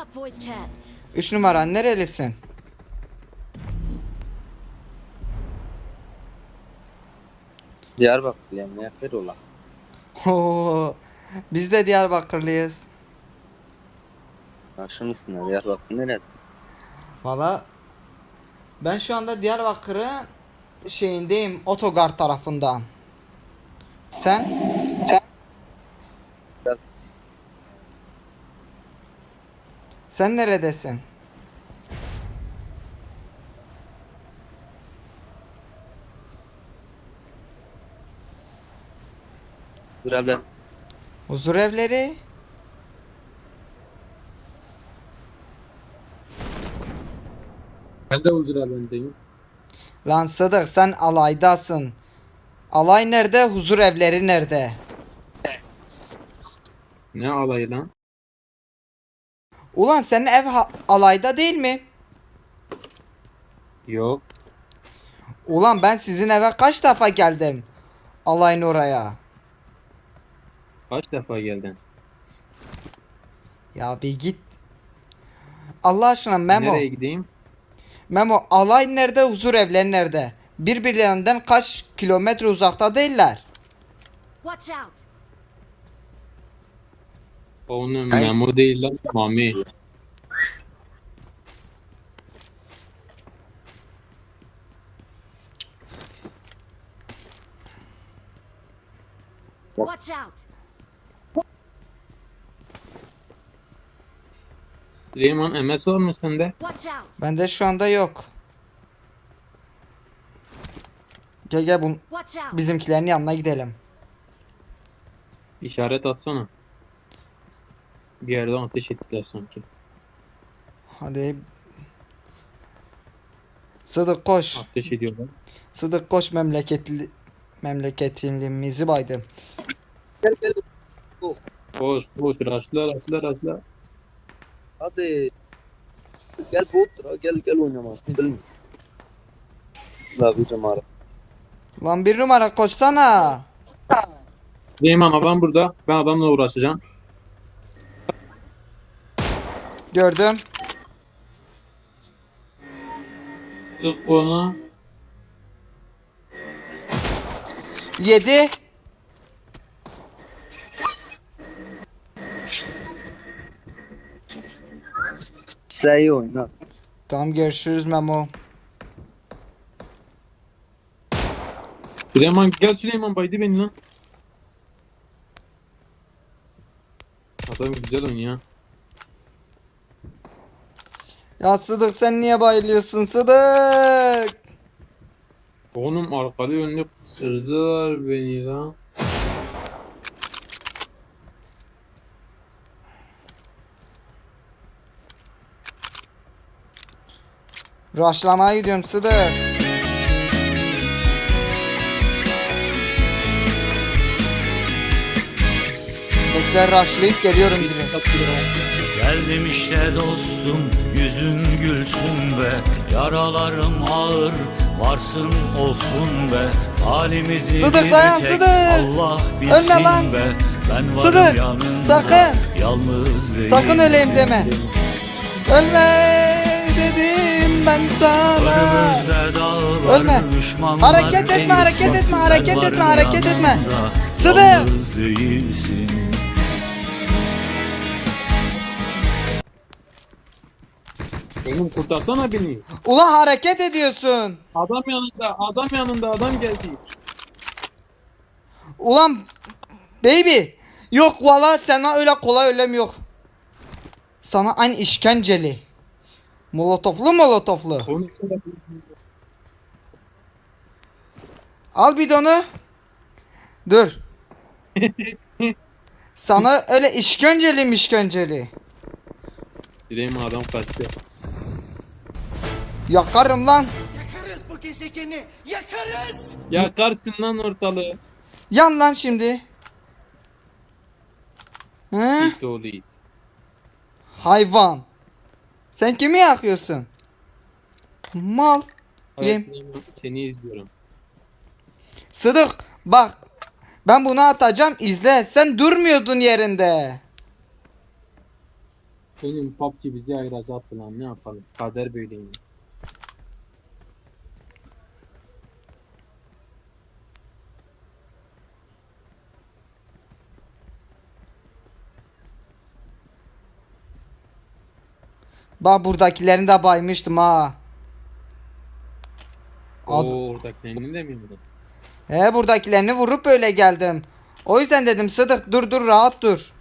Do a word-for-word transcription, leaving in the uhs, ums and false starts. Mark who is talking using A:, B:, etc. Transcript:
A: up voice chat.
B: Üç numara nerelisin?
C: Diyarbakırlıyım. Nefer ola.
B: Oo, biz de Diyarbakırlıyız.
C: Başım üstüne Diyarbakır neresi?
B: Valla ben şu anda Diyarbakır'ın şeyindeyim, otogar tarafında. Sen? Sen neredesin?
C: Burada
B: Huzur evleri?
D: Ben de huzur evindeyim.
B: Lan Sıdık sen alaydasın. Alay nerede? Huzur evleri nerede?
D: Ne alayı lan?
B: Ulan senin ev ha- alayda değil mi?
D: Yok.
B: Ulan ben sizin eve kaç defa geldim? Alayın oraya.
D: Kaç defa geldin?
B: Ya bir git. Allah aşkına Memo.
D: Nereye gideyim?
B: Memo alay nerede? Huzur evleri nerede? Birbirlerinden kaç kilometre uzakta değiller?
A: Watch out.
D: Onun Memo değil lan. Mami.
A: Watch out.
D: Süleyman M S var mı sende?
A: Watch out.
B: Bende şu anda yok. Gel gel bu
A: Watch out.
B: bizimkilerin yanına gidelim.
D: İşaret atsana. Bir yerden ateş ettiler sanki.
B: Hadi. Sıdık koş.
D: Ateş ediyorlar.
B: Sıdık koş memleketli memleketimizi baydı.
C: gel gel.
D: Boş boş raşla raşla raşla.
C: Hadi. Gel bot. Gel gel oynamazsın. Bilmiyorum. Abi cemara.
B: Lan bir numara koşsana.
D: Süleyman adam burada. Ben adamla uğraşacağım.
B: Gördüm.
D: Tık onu.
B: Yedi.
C: Sen iyi oyna.
B: Tamam görüşürüz Memo.
D: Süleyman gel Süleyman baydı beni lan. Adam güzel oynuyor.
B: Ya Sıdık sen niye bayılıyorsun Sıdık?
D: Oğlum arkalı önlü kırdılar beni lan.
B: Raşlamaya gidiyorum Sıdık. Bekle raşlayıp geliyorum direkt.
E: Geldim işte dostum, yüzün gülsün be. Yaralarım ağır, varsın olsun be. Halimizi
B: Sıdık dayan,
E: bir tek
B: Sıdık.
E: Allah bilsin
B: Ölme lan.
E: be. Ben varım
B: Sıdık,
E: yanında,
B: sakın.
E: yalnız değilim.
B: Sakın öleyim deme. Ölme dedim ben sana.
E: Önümüzde dağlar,
B: Ölme.
E: düşmanlar,
B: Hareket etme,
E: en
B: hareket
E: ıslak.
B: etme,
E: Ben
B: hareket
E: varım
B: etme, hareket etme.
E: yanında,
B: Sıdık.
E: yalnız değilsin.
D: Oğlum kurtarsana beni.
B: Ulan hareket ediyorsun.
D: Adam yanında, adam yanında, adam geldi.
B: Ulan baby. Yok valla sana öyle kolay ölüm yok. Sana aynı işkenceli. Molotoflu molotoflu.
D: Onun için de
B: Al bidonu. Dur. Sana öyle işkenceli mişkenceli.
D: Süleyman adam kaçtı.
B: Yakarım lan.
F: Yakarız bu gezegeni, yakarız!
D: Yakarsın lan ortalığı.
B: Yan lan şimdi. He?
D: İt oğlu it.
B: Hayvan. Sen kimi yakıyorsun? Mal.
D: Hayır,
B: Yem.
D: Süleyman, seni izliyorum.
B: Sıdık bak. Ben bunu atacağım izle. Sen durmuyordun yerinde.
D: Benim P U B G bizi ayıracaktı lan, ne yapalım? Kader böyleymiş.
B: Bak buradakilerini de baymıştım ha. Ad-
D: Oo, oradakilerini de mi vurdun?
B: He buradakilerini vurup öyle geldim. O yüzden dedim Sıdık dur dur rahat dur.